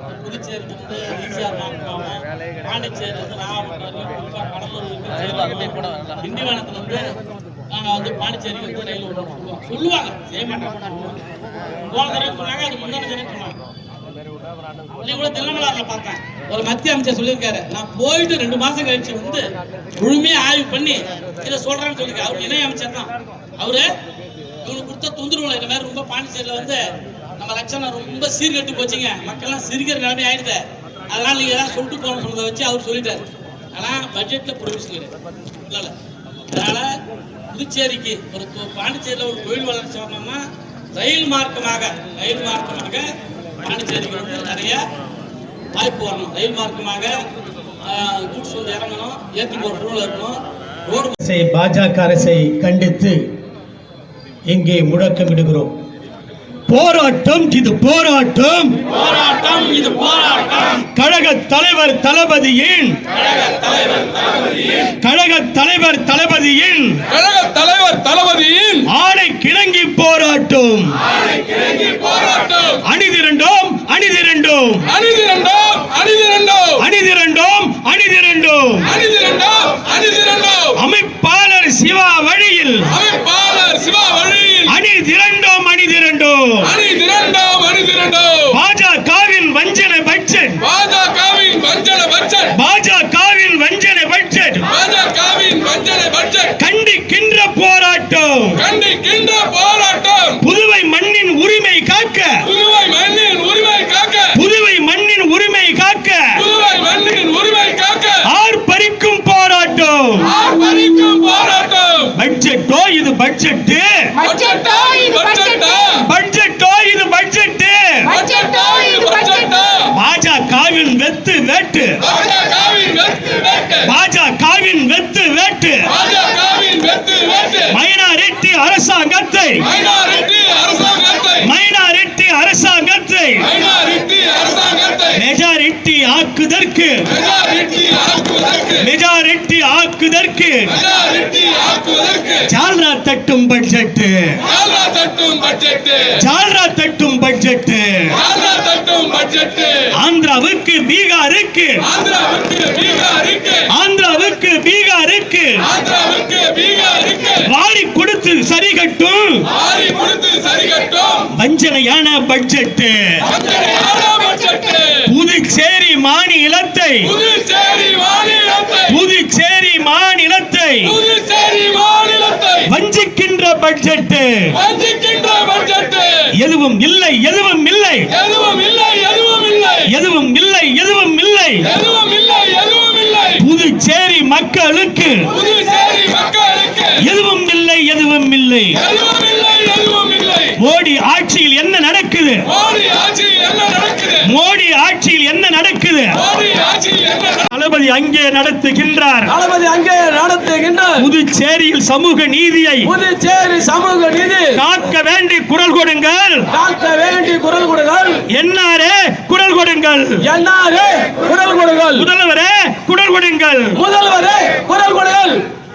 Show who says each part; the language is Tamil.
Speaker 1: புதுச்சேரி வந்து ஈசிஆர் மாவட்டம், பாண்டிச்சேரி வந்து நாகப்பட்டினம், கடலூர், திண்டிவனத்துல வந்து நாங்கள் வந்து பாண்டிச்சேரிக்கு வந்து ரயில் விடுவோம் சொல்லுவாங்க, செய்ய மாட்டாங்க. போன தடவை சொன்னாங்க, அது முன்னாடி தடவை சொன்னாங்க. கூட திருநெல்வேலியில பார்த்தேன், ஒரு மத்திய அமைச்சர் சொல்லியிருக்காரு, நான் போயிட்டு 2 மாசம் கழிச்சு வந்து முழுமையா ஆய்வு பண்ணி இதை சொல்றேன்னு சொல்லியிருக்காரு. அவர் இணை அமைச்சர் தான். அவரு இவனுக்கு கொடுத்த தொந்தரவுல இந்த மாதிரி ரொம்ப பாண்டிச்சேரியில வந்து நம்ம லட்சணம் ரொம்ப சீர்கட்டு போச்சுங்க, மக்கள்லாம் சிரிக்கிற நிலைமை ஆயிடுது, அதனால நீங்க ஏதாவது சொல்லிட்டு போகணும்னு சொன்னதை வச்சு அவர் சொல்லிட்டாரு. ஆனா பட்ஜெட்ல ப்ரொவிஷன் இல்ல. அதனால புதுச்சேரிக்கு ஒரு பாண்டிச்சேரியில ஒரு தொழில் வளர்ச்சி வரணும்னா ரயில் மார்க்கமாக பாண்டிச்சேரிக்கு வந்து நிறைய வாய்ப்பு வரணும். ரயில் மார்க்கமாக கூட்ஸ் வந்து இறங்கணும், ஏற்றி போற சூழல் இருக்கணும். ரோடு
Speaker 2: பாஜக அரசை கண்டித்து இங்கே முழக்கமிடுகிறோம். போராட்டம் இது போராட்டம், கழக தலைவர் தளபதியின் ஆணை கிணங்கி போராட்டம். அணிதிரண்டோம் அமைப்பாளர் சிவா வழியில் அணிதிரண்டோம். பாஜகவின் வஞ்சனை பட்ஜெட், கண்டிக்கின்ற போராட்டம். புதுவை மண்ணின் உரிமை காக்க, ஆர்ப்பரிக்கும் போராட்டம். பட்ஜெட்டோ இது பட்ஜெட், பாஜகவின் வெத்து வேட்டு, மைனாரிட்டி அரசாங்கத்தை மெஜாரிட்டி ஆக்குதற்கு ஜால்ரா தட்டும் பட்ஜெட். ஆந்திராவுக்கு பீகாருக்கு வாரி கொடுத்து சரி கட்டும் வஞ்சனையான பட்ஜெட். புதுச்சேரி மாநிலத்தை வஞ்சிக்கின்ற பட்ஜெட். எதுவும் இல்லை. புதுச்சேரி மக்களுக்கு எதுவும் இல்லை. மோடி ஆட்சியில் என்ன நடக்குது? தளபதி அங்கே நடத்துகின்றார். புதுச்சேரியில் சமூக நீதியை காக்க வேண்டி குரல் கொடுங்கள். என்னாரே குரல் கொடுங்கள். முதல்வரே குரல் கொடுங்கள்.